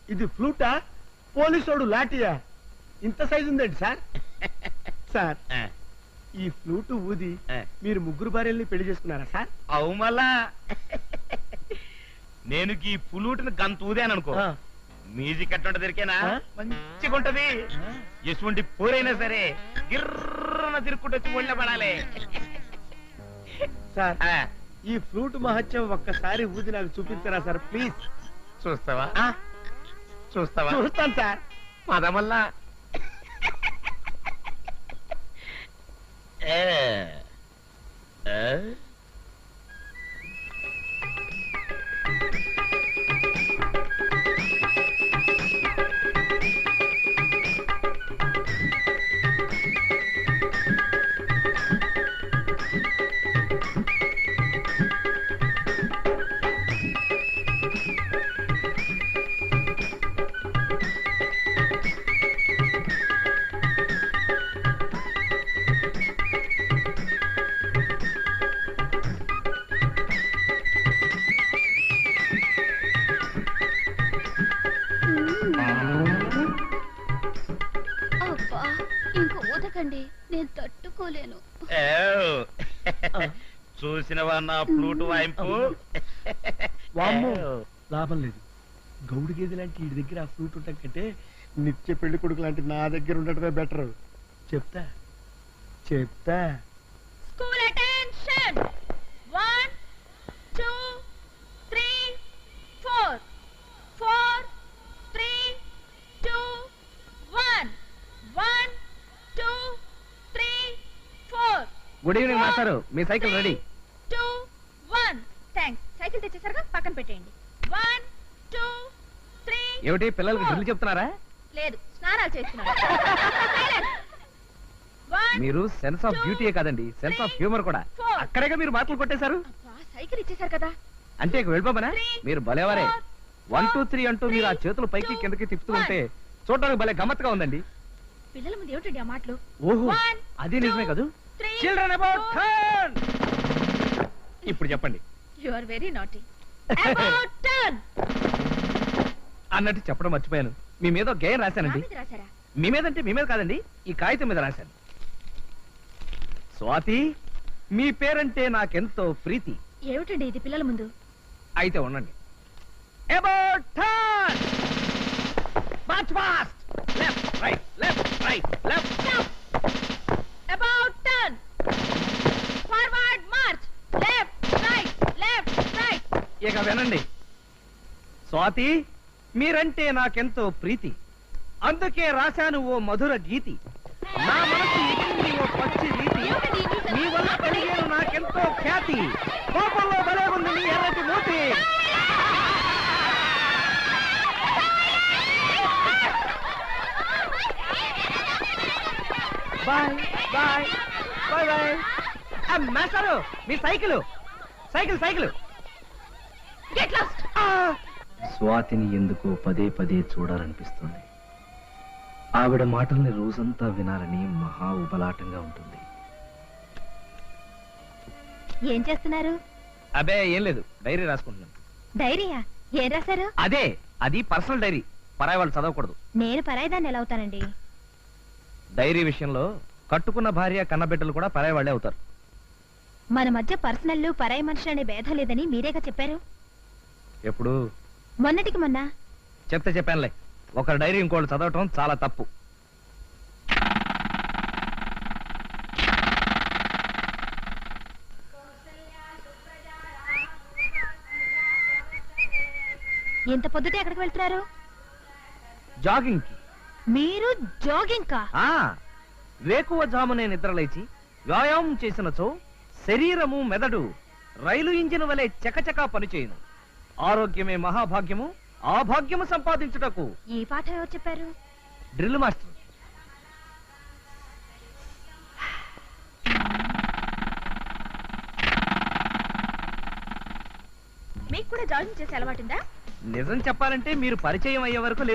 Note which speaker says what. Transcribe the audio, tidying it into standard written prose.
Speaker 1: ఇది ఫ్లూటా పోలీసోడు లాఠీయా ఇంత సైజు ఉందండి సార్ సార్ ఈ ఫ్లూటు ఊది మీరు ముగ్గురు భార్యల్ని పెళ్లి చేసుకున్నారా సార్?
Speaker 2: అవు మళ్ళా నేను ఈ పులూటిని గంత ఊదాననుకో మ్యూజిక్ అట్టుంట దొరికేనా మంచిగా ఉంటది. ఎటువంటి పోరైనా సరే గిర్రన తిరుక్కుంటూ వచ్చి ఒళ్ళ పడాలి.
Speaker 1: సార్ ఈ ఫ్లూట్ మహత్యం ఒక్కసారి ఊది నాకు చూపించరా సార్ ప్లీజ్?
Speaker 2: చూస్తావా? చూస్తావా?
Speaker 1: చూస్తాను సార్.
Speaker 2: పదమల్లా
Speaker 3: ఇంకో ఊదకండి, నేను తట్టుకోలేను.
Speaker 2: చూసినవా నా ఫ్లూట్ వాయింపు?
Speaker 1: వామ్మో లాభం లేదు. గౌడు గేదె లాంటి వీడి దగ్గర ఆ ఫ్లూట్ ఉండటం కంటే నిత్య పెళ్లి కొడుకు లాంటి నా దగ్గర ఉండటమే బెటర్. చెప్తా చెప్తా.
Speaker 3: School attention 1 2 3 4 4 3 2 1 1 2 3 4.
Speaker 4: గుడ్ ఈవినింగ్ మాస్టారు, మీ సైకిల్ రెడీ.
Speaker 3: 2 1. థాంక్స్. సైకిల్ తెచ్చేసరిగా పక్కన పెట్టేయండి. 1 2 3.
Speaker 4: ఏమిటి పిల్లలకి డ్రిల్ చెప్తున్నారా?
Speaker 3: లేదు, స్నానాలు చేస్తున్నారు.
Speaker 4: మీరు సెన్స్ ఆఫ్ బ్యూటీయే కాదండి, సెన్స్ ఆఫ్ హ్యూమర్ కూడా. అక్కడేగా మీరు మాటలు కొట్టేశారు.
Speaker 3: సైకిల్ ఇచ్చేసారు కదా
Speaker 4: అంటే ఇక వెళ్ళిపోమనా? మీరు భలేవారే. 1 2 3 అంటూ మీరు ఆ చేతులు పైకి కిందకి తిప్పుతూ ఉంటే చూడడానికి భలే గమ్మత్తుగా ఉందండి.
Speaker 3: పిల్లల ముందు ఏమిటండి ఆ మాటలు?
Speaker 4: ఓహో, అది నిజమే కదూ. Children about turn. ఇప్పుడు చెప్పండి.
Speaker 3: You are very naughty. About turn
Speaker 4: అన్నట్టు చెప్పడం మర్చిపోయాను. మీ మీద ఒక గేయం రాశానండి. మీ మీద అంటే మీ మీద కాదండి, ఈ కాగితం మీద రాశాను. స్వాతి, మీ పేరంటే నాకెంతో ప్రీతి.
Speaker 3: ఏమిటండి ఇది పిల్లల ముందు?
Speaker 4: అయితే ఉండండి. About turn. March fast. Left right left right left.
Speaker 3: About turn. Forward march. Left right left right.
Speaker 4: ఇక వినండి. స్వాతి, మీరంటే నాకెంతో ప్రీతి, అందుకే రాశాను ఓ మధుర గీతి. నా మనసు ఎక్కింది ఓ పచ్చి రీతి, మీ వల్ల కలిగేను నాకెంతో ఖ్యాతి. కోపంలో భలే ఉంది నీ ఎర్రటి మూతి. Bye bye bye bye. మాస్టారు, మీ cycle cycle cycle.
Speaker 3: Get lost.
Speaker 4: స్వాతిని ఎందుకో పదే పదే చూడాలనిపిస్తుంది. ఆవిడ మాటల్ని రోజంతా వినాలని మహా ఉబలాటంగా ఉంటుంది.
Speaker 3: ఏం చేస్తున్నారు?
Speaker 4: అబే ఏం లేదు, డైరీ రాసుకుంటున్నాను.
Speaker 3: డైరీయా? ఏం రాశారు?
Speaker 4: అదే, అది పర్సనల్ డైరీ, పరాయి వాళ్ళు చదవకూడదు.
Speaker 3: నేను పరాయిదాన్ని ఎలా అవుతానండి?
Speaker 4: డైరీ విషయంలో కట్టుకున్న భార్య కన్నబిడ్డలు కూడా పరాయి వాళ్ళే అవుతారు.
Speaker 3: మన మధ్య పర్సనల్ పరాయి మనుషులు అనే భేదం లేదని మీరేగా చెప్పారు.
Speaker 4: ఎప్పుడు?
Speaker 3: మొన్నటికి మొన్న.
Speaker 4: చెప్తే చెప్పానులే, ఒకరి డైరీ ఇంకోళ్ళు చదవటం చాలా తప్పు.
Speaker 3: ఎంత పొద్దుటే ఎక్కడికి వెళ్తున్నారు?
Speaker 4: జాగింగ్ కి.
Speaker 3: మీరు జాగింగ్ కా?
Speaker 4: వేకువ జామునే నిద్రలేచి వ్యాయామం చేసినచో శరీరము మెదడు రైలు ఇంజిన్ వలె చకచకా పనిచేయును. ఆరోగ్యమే మహాభాగ్యము, ఆ భాగ్యము సంపాదించుటకు.
Speaker 3: ఈ పాఠం ఎవరు చెప్పారు?
Speaker 4: Drill master.
Speaker 3: మీకు కూడా జాగింగ్ చేసే అలవాటుందా?
Speaker 4: నిజం చెప్పాలంటే మీరు పరిచయం అయ్యే వరకు